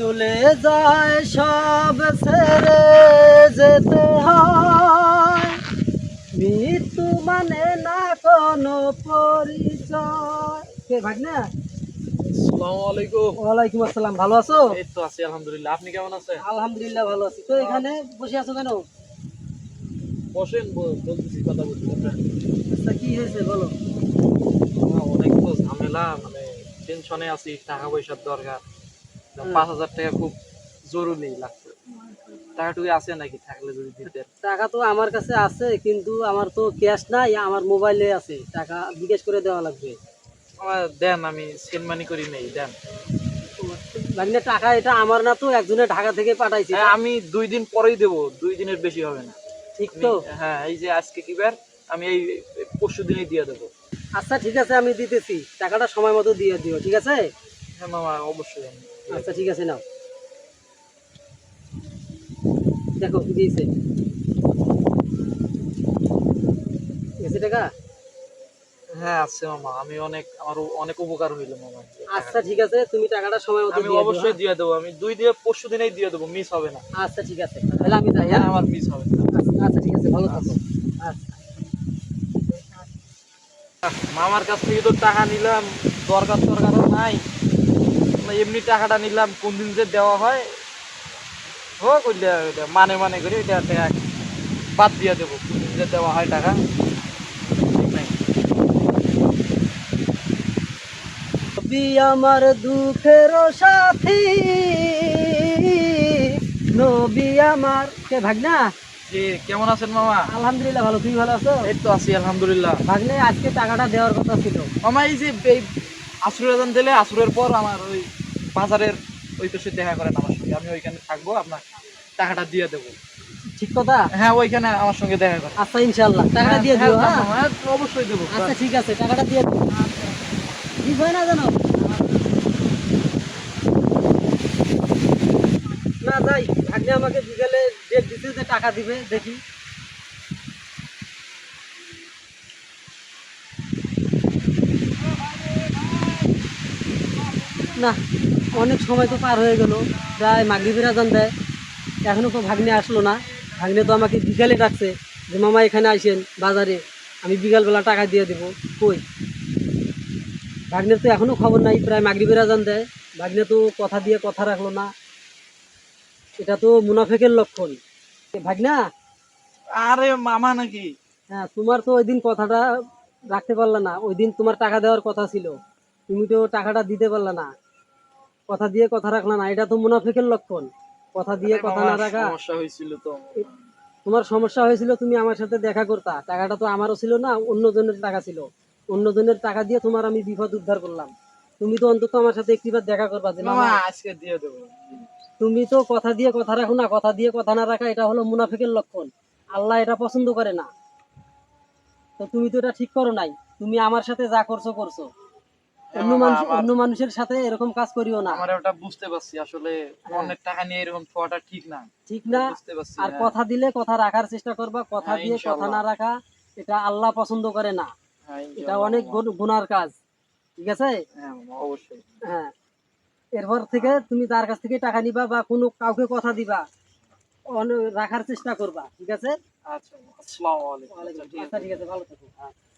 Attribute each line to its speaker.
Speaker 1: চলে যায় সব ছেড়ে যেতে হয়, মৃত্যু মানে না কোনো পরিচয়। কে ভাগনা?
Speaker 2: আসসালামু আলাইকুম।
Speaker 1: ওয়ালাইকুম আসসালাম। ভালো আছো?
Speaker 2: এই তো আছি আলহামদুলিল্লাহ। আপনি কেমন আছেন?
Speaker 1: আলহামদুলিল্লাহ ভালো আছি। তো এখানে বসে আছো কেন?
Speaker 2: বসেন, বলতেছি, কথা বলছি।
Speaker 1: আচ্ছা, কি হয়েছে বলো।
Speaker 2: অনেক তো ঝামেলা, মানে টেনশনে আছি, টাকা পয়সার দরকার। 5,000 টাকা খুব জরুরি লাগছে। টাকাটুকু আছে নাকি, থাকলে যদি দিতেন।
Speaker 1: টাকা তো আমার কাছে আছে, কিন্তু আমার তো ক্যাশ নাই, আমার মোবাইলে আছে। টাকা বিকাশ করে দেওয়া লাগবে।
Speaker 2: আমার দেন, আমি সেন্ড মানি করি নেই, দেন।
Speaker 1: ভাগনা টাকা এটা আমার না, তো একজনের ঢাকা থেকে পাঠাইছি।
Speaker 2: হ্যাঁ, আমি 2 দিন পরেই দেবো, 2 দিনের বেশি হবে না।
Speaker 1: ঠিক তো?
Speaker 2: হ্যাঁ, এই যে আজকে কি বার, আমি এই পরশু দিনই দিয়ে দেবো।
Speaker 1: আচ্ছা ঠিক আছে, আমি দিতেছি। টাকাটা সময় মতো দিয়ে দিও, ঠিক আছে?
Speaker 2: হ্যাঁ মামা, অবশ্যই।
Speaker 1: আচ্ছা ঠিক আছে, নাও দেখো কি দিয়েছে। গেছে টাকা?
Speaker 2: হ্যাঁ আছে মামা, আমি আমার অনেক উপকার হইলো মামা।
Speaker 1: আচ্ছা ঠিক আছে, তুমি টাকাটা সময় মতো
Speaker 2: আমি
Speaker 1: দিয়ে দিও।
Speaker 2: অবশ্যই দিয়ে দেবো, আমি 2 দিয়ে পরশু দিনেই দিয়ে দেবো, মিস হবে না।
Speaker 1: আচ্ছা ঠিক আছে, তাহলে আমি যাই। হ্যাঁ,
Speaker 2: আমার মিস হবে না।
Speaker 1: আচ্ছা ঠিক আছে, ভালো থাকো। আচ্ছা।
Speaker 2: মামার কাছ থেকে তো টাকা নিলাম, দরকারও নাই। এমনি টাকাটা নিলাম, কোন দিন যে দেওয়া হয় হোক, ওইটা মানে করে ওইটা টাকা বাদ দিয়ে দেবো। কোন দিন যে দেওয়া হয় টাকা, ঠিক নাই।
Speaker 1: নবী আমার দুঃখের সাথী, নবী আমার। কে ভাগনা?
Speaker 2: জি, কেমন আছেন মামা?
Speaker 1: আলহামদুলিল্লাহ ভালো। তুমি ভালো আছো?
Speaker 2: এই তো আছি আলহামদুলিল্লাহ।
Speaker 1: ভাগনে আজকে টাকাটা দেওয়ার কথা ছিল।
Speaker 2: মামা এই যে এই আসরের আজান দিলে, আসরের পর আমার ওই বাজারের ওই পাশে দেখা করেন আমার সঙ্গে, আমি ওইখানে থাকবো, আপনার টাকাটা দিয়ে দেবো।
Speaker 1: ঠিক কথা?
Speaker 2: হ্যাঁ, ওইখানে আমার সঙ্গে দেখা করেন।
Speaker 1: আচ্ছা ইনশাআল্লাহ টাকাটা দিয়ে দিও। হ্যাঁ
Speaker 2: হ্যাঁ, অবশ্যই দেবো।
Speaker 1: আচ্ছা ঠিক আছে, টাকাটা দিয়ে দিও। ঠিক হয় না জানো? না যাই, ভাগ্নে আমাকে বিকেলে ডেট দিতে যে টাকা দিবে, দেখি। না, অনেক সময় তো পার হয়ে গেল, প্রায় মাগরিবের আজান দেয়, এখনো তো ভাগ্নে আসলো না। ভাগ্নে তো আমাকে বিকালে ডাকছে যে মামা এখানে আইসেন বাজারে, আমি বিকালবেলা টাকা দিয়ে দেবো। কই ভাগ্নের তো এখনো খবর নাই, প্রায় মাগরিবের আজান দেয়, ভাগ্নে তো কথা দিয়ে কথা রাখলো না। এটা তো মুনাফেকের লক্ষণ। ভাগনা,
Speaker 2: আরে মামা নাকি?
Speaker 1: হ্যাঁ, তোমার তো ওই দিন কথাটা রাখতে পারলা না। ওই দিন তোমার টাকা দেওয়ার কথা ছিল, তুমি তো টাকাটা দিতে পারলা না। কথা দিয়ে কথা রাখলা না, এটা তো মুনাফিকের লক্ষণ। কথা দিয়ে
Speaker 2: আরে
Speaker 1: কথা
Speaker 2: মামা,
Speaker 1: না রাখা।
Speaker 2: সমস্যা হয়েছিল তো।
Speaker 1: তোমার সমস্যা হয়েছিল, তুমি আমার সাথে দেখা করতা। টাকাটা তো আমারও ছিল না, অন্যজনের টাকা ছিল। অন্যজনের টাকা দিয়ে তোমার আমি বিপদ উদ্ধার করলাম। তুমি তো অন্তত আমার সাথে একটিবার দেখা করবা যে
Speaker 2: মামা
Speaker 1: মামা।
Speaker 2: আজকে দিয়ে দেবো।
Speaker 1: তুমি তো কথা দিয়ে কথা রাখো না, কথা দিয়ে কথা না রাখা এটা হলো মুনাফিকের লক্ষণ। আল্লাহ এটা পছন্দ করে না। তো তুমি তো এটা ঠিক করো নাই। তুমি আমার সাথে যা করছো করছো,
Speaker 2: হ্যাঁ মামা,
Speaker 1: অন্য মানুষের সাথে এরকম কাজ করিও না।
Speaker 2: আমার ওটা বুঝতে পারছি, আসলে
Speaker 1: হ্যাঁ,
Speaker 2: অনেক টাকা নিয়ে এরকম ছোঁয়াটা ঠিক না।
Speaker 1: ঠিক না।
Speaker 2: বুঝতে পারছি,
Speaker 1: আর
Speaker 2: হ্যাঁ।
Speaker 1: কথা দিলে কথা রাখার চেষ্টা করবা, কথা
Speaker 2: হ্যাঁ
Speaker 1: দিয়ে কথা
Speaker 2: ইনশাল্লাহ।
Speaker 1: না রাখা এটা আল্লাহ পছন্দ করে না।
Speaker 2: হ্যাঁ
Speaker 1: এটা
Speaker 2: ইনশাল্লাহ
Speaker 1: অনেক
Speaker 2: মামা।
Speaker 1: গুনার কাজ, ঠিক আছে?
Speaker 2: হ্যাঁ মামা, অবশ্যই।
Speaker 1: হ্যাঁ, এরপর থেকে তুমি তার কাছ থেকে টাকা নিবা বা কোনো কাউকে কথা দিবা, রাখার চেষ্টা করবা, ঠিক আছে?
Speaker 2: আচ্ছা মামা, আসসালামু আলাইকুম।
Speaker 1: ওয়ালাইকুম
Speaker 2: আচ্ছা,
Speaker 1: আসসালাম।
Speaker 2: ঠিক
Speaker 1: আচ্ছা
Speaker 2: আছে।
Speaker 1: ঠিক আছে, ভালো থাকো। হ্যাঁ।